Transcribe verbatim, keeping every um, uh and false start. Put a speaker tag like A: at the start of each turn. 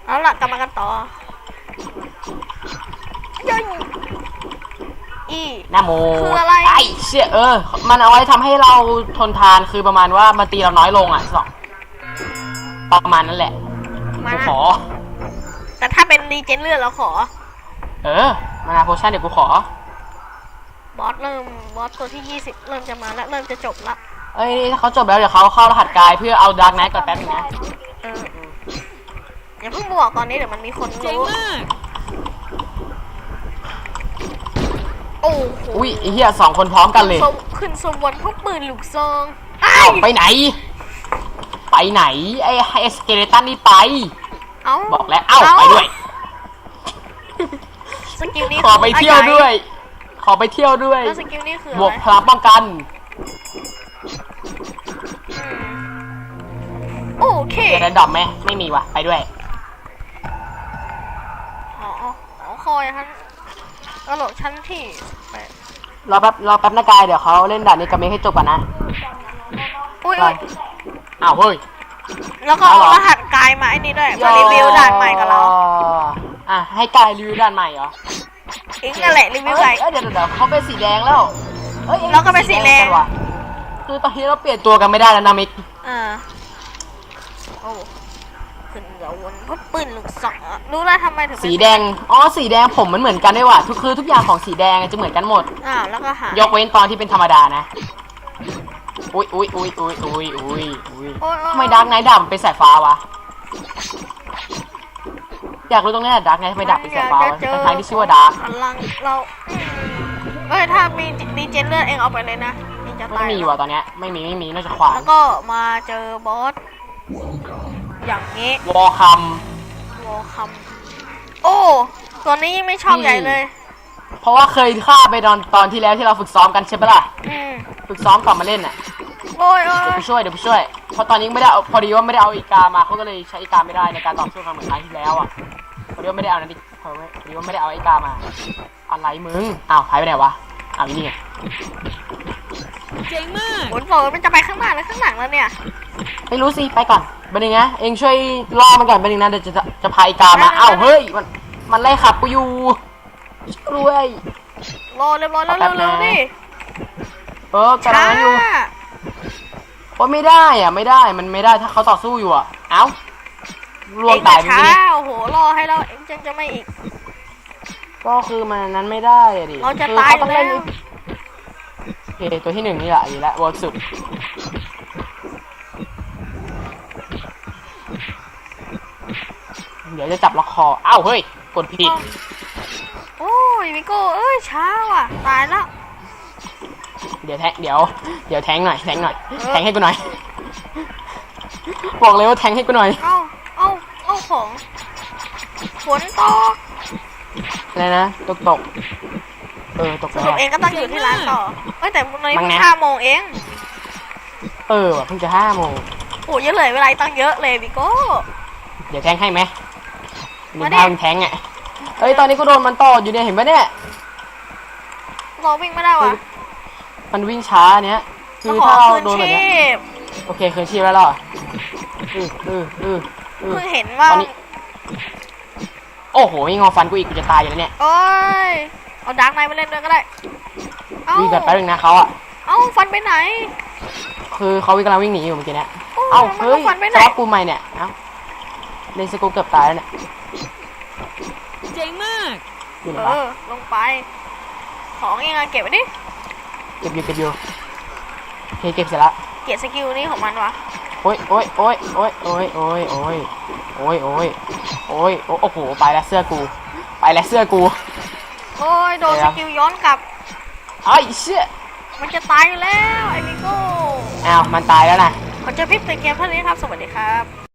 A: เอาล่ะกลับมากันต่อยัยอี
B: น้าโม
A: คืออะไร
B: ไอ้เชี่ยเออมันเอาไว้ทำให้เราทนทานคือประมาณว่ามันตีเราน้อยลงอ่ะสองประมาณนั้นแหละกูขอ
A: แต่ถ้าเป็นรีเจนเลือดเราขอ
B: เออมานาโพชั่นเดี๋ยวกูขอบ
A: อสเริ่มบอสตัวที่ยี่สิบเริ่มจะมาแล้วเริ่มจะจบละ
B: เอ้ยถ้าเขาจบแล้วเดี๋ยวเขาเข้ารหัสกายเพื่อเอาดาร์กไนท์ก่อนแป๊บนึงนะ
A: เอออย่าเพิ่งบอกตอนนี้เดี๋ยวมันมีคนรู้โอ้โห
B: อุ้ยไอ้เหี้ยสองคนพร้อมกันเลย
A: ขึ้นสมวนพวกปืนลูกซอง
B: ไปไหนไปไหนไอ้ไอ้สเกเลตันนี่ไปบอกแล้วเอ้าไปด้วย
A: สกิลนี้
B: ขอไปเที่ยวด้วยขอไปเที่ยวด้วย
A: สกิลนี้คือบ
B: วกพลังป้องกัน
A: โอเค
B: จะได้ดอกไหมไม่มีว่ะไปด้วย
A: อ๋ออ๋อคอยท่านกระโดดชั้นที่
B: รอแป๊บรอแป๊บนะกายเดี๋ยวเขาเล่นด่านนี้กับเมฆให้จบก่อนนะ
A: อุ้ย
B: อ้าวเฮ้ย
A: แล้วก็รหัสกายมาไอ้นี่ด้วยมารีวิวด่านใหม่กับเรา
B: อ่ะให้กายรีวิวด่านใหม่เหรอ
A: เองนั่นแหละรีวิวอะไร
B: เดี๋ยวเดี๋ยวเขาเป็นสีแดงแล้ว
A: เฮ้ยเราก็เป็นสีแดง
B: ว่ะคือตอนนี้เราเปลี่ยนตัวกันไม่ได้แล้วนะมิก
A: อ่าโอ้ขึ้นเดี๋ยววนเพราะปืนลูกศรรู้แล้วทำไมถึง
B: สีแดงอ๋อสีแดงผมมันเหมือนกันด้วยว่ะทุกคือทุกอย่างของสีแดงจะเหมือนกันหมด
A: อ่าแล้วก็หาย
B: กเว้นตอนที่เป็นธรรมดานะอุ้ยอุ้ยอุ้ยอุ้ยอุ้ยอุ้ยอุ้ยทำไมดาร์กไนท์ดำเป็นสายฟ้าวะอยากรู้ตรงนี้แหละดาร์กไนท์ทำไมดับเป็นสายฟ้าวะทั้งที่ชื่อว่าดาร์ก
A: พลังเราเอ้ยถ้ามีดีเจนเลือดเองเอาไปเลยนะ
B: ไม่มีว่ะตอนเนี้ยไม่มีไม่มีนอกจากขวาน
A: แล้วก็มาเจอบอสอย่างนี้
B: วอลคัม
A: วอลคัมโอ้ตัวนี้ยังไม่ชอบใหญ่เลย
B: เพราะว่าเคยฆ่าไปตอนตอนที่แล้วที่เราฝึกซ้อมกันใช่ปะล่ะฝึกซ้อมก่อนมาเล่นอ่ะ
A: โอ้ยเดี๋
B: ยวไปช่วยเดี๋ยวไปช่วยเพราะตอนนี้ไม่ได้เอาพอดีว่าไม่ได้เอาอีกามาเขาก็เลยใช้อีกาไม่ได้ในการต่อสู้กันเหมือนครั้งที่แล้วอ่ะพอดีว่าไม่ได้เอานั่นดิพอดีว่าไม่ได้เอาอีกามาอะไรมึงอ้าวหายไปไหนวะอ้าวนี่ไง
A: เจ๋งมากโอ้โหมันจะไปข้างหน้าหรือข้างหลังแล้วเนี่ย
B: ไม่รู้สิไปก่อนบันนึงนะเองช่วยล่อมันก่อนบันนึงนะเดี๋ยวจะจะพาอีกามาอ้าวเฮ้ยมันมันไล่ขับกูอยู่กล้วย
A: รอเรียบร้อยแล้วเร็วๆดิ
B: เออกำลังอยู่ว่าไม่ได้อ่ะไม่ได้มันไม่ได้ถ้าเขาต่อสู้อยู่อ่ะเอ้าลวงตายไป
A: ดิโอ้โหรอให้เราเอ็งจังจะไม่อีก
B: ก็คือมันนั้นไม่ได้อ่ะดิ
A: เราจะตายแล้ว
B: โอเคตัวที่หนึ่งนี่แหละดีแล้วเวิร์กสุดเดี๋ยวจะจับล็อกคออ้าวเฮ้ยกดผิด
A: โอ้ยมิโก้เอ้ยช้าว่ะตายแล้ว
B: เดี๋ยวแทงเดี๋ยวเดี๋ยวแทงหน่อยแทงหน่อยแทงให้กูหน่อยบอกเลยว่าแทงให้กูหน่อย
A: เอาเอาเอาของฝนตก
B: อะไรนะตกตกเออตก
A: แล้วเองก็ต้องอยู่ที่ร้านต่อเอ้ยแต่ตอนนี้เพิ่งห้าโมงเอง
B: เออเพิ่งจะห้าโมง
A: โอ้ยเยอะเลยเวลาตั้งเยอะเลยมิโก้
B: เดี๋ยวแทงให้ไหมมีทางแทงอ่ะเอ้ยตอนนี้กูโดนมันต่ออยู่เนี่ยเห็นไหมเนี่ย
A: เราวิ่งไม่ได้วะ
B: มันวิ่งช้าเนี้ยคือถ้าเราโดนแบบนี้โอเคคืนชีพแล้วหรออืออืออือ
A: เพิ่งเห็นว่า
B: โอ้โหมีงอฟันกูอีกกูจะตายอยู่แล้วเนี่ย
A: โอ้ยเอาดาร์กไนท์มาเล่นด้วยก็ได้
B: วิ่งกันไปหนึ่งนะเขาอ่ะ
A: เอ้าฟันไปไหน
B: คือเขาวิ่งกำลังวิ่งหนีอยู่เมื่อกี้เนี่ยเอ้าเฮ้ยสลับกูใหม่เนี่ยเอ้าเลนสกูเกือบตายแล้วเนี่ย
A: เจ๋งมากเออลงไปของยังไงเก็บไว้ดิ
B: เก็บอยู่เก็บอยู่โอเคเก็บเสร็จแล้ว
A: เก็บสกิลนี้ของมันวะ
B: โอ้ยโอ้ยโอ้ยโอ้ยโอ้ยโอ้ยโอ้ยโอ้ยโอ้ยโอ้ยโอ้โหไปแล้วเสื้อกูไปแล้วเสื้อกู
A: โอ้ยโดนสกิลย้อนกลับ
B: ไอ้เชี่ย
A: มันจะตายอยู่แล้วไอ้มิโก้
B: อ้าวมันตายแล้วนะ
A: ขอเจอพี่เป็นเกมเท่านี้ครับสวัสดีครับ